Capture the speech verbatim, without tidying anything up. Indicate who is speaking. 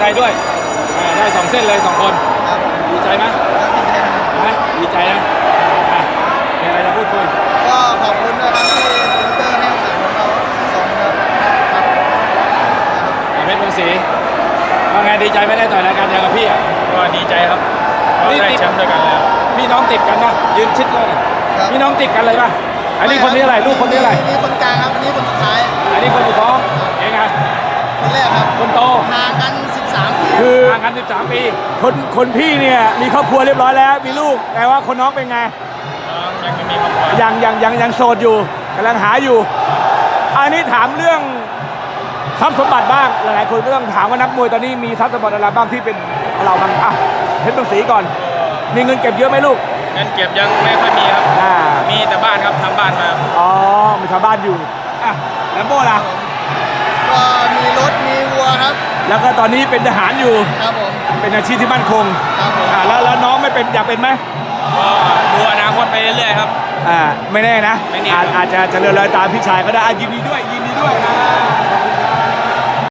Speaker 1: ใจด้วยได้สองเส้นเลยสองคนดีใจไหมนะดีใจนะมีอะไรจะพูดคุย
Speaker 2: ก็ขอบคุณด้วยครับที่โปรโมเตอร์ให้โอกาสของเราทั้งสองครับครับ
Speaker 1: เพชรเมืองศรีว่าไงดีใจไม่ได้ต่อยรายการเดียวกับพี่อ่ะ
Speaker 3: ก็ดีใจครับเราได้แชมป์ด้วยกันแล้ว
Speaker 1: พี่น้องติดกันนะยืนชิดเลยพี่น้องติดกันเลยป่ะอันนี้คนนี้อะไรลูกคนนี้อะไร
Speaker 2: นี่คนกลางครับอันนี้คนสุดท้าย
Speaker 1: อันนี้คนสุดท้องเองไง
Speaker 2: คนแรกครับ
Speaker 1: คนโต
Speaker 2: ห่างกันสิบสามปี
Speaker 1: คือห่างกันสิบสามปีคนคนพี่เนี่ยมีครอบครัวเรียบร้อยแล้วมีลูกแต่ว่าคนน้องเป็นไง
Speaker 3: ยังไม่มีครอบครัว
Speaker 1: ยังยังยังยังโสดอยู่กำลังหาอยู่อันนี้ถามเรื่องทรัพย์สมบัติบ้างหลายๆคนก็ต้องถามว่านักมวยตอนนี้มีทรัพย์สมบัติอะไรบ้างที่เป็นเราบ้างอ่ะเพชรเมืองศรีก่อนมีเงินเก็บเยอะไหมลูก
Speaker 3: เงินเก็บยังไม่ค่อยมีครับมีแต่บ้านครับทำบ้านมา
Speaker 1: อ๋อมีชาวบ้านอยู่อ่ะแล้วโบ้ล่ะ
Speaker 2: ก็มีรถมีวัวครับ
Speaker 1: แล้วก็ตอนนี้เป็นทหารอยู่
Speaker 2: ครับผม
Speaker 1: เป็นอาชีพที่มั่นคง
Speaker 2: ครับผม
Speaker 1: อ่าแล้วแล้วน้องไม่เป็นอยากเป็นไหม
Speaker 3: ก็ดูอนาคตไปเรื่อยๆครับ
Speaker 1: อ่าไม่แน่นะ
Speaker 3: ไม่แน่
Speaker 1: อาจจะเจริญรอยตามพี่ชายก็ได้ยินดีด้วยยินดีด้วยนะ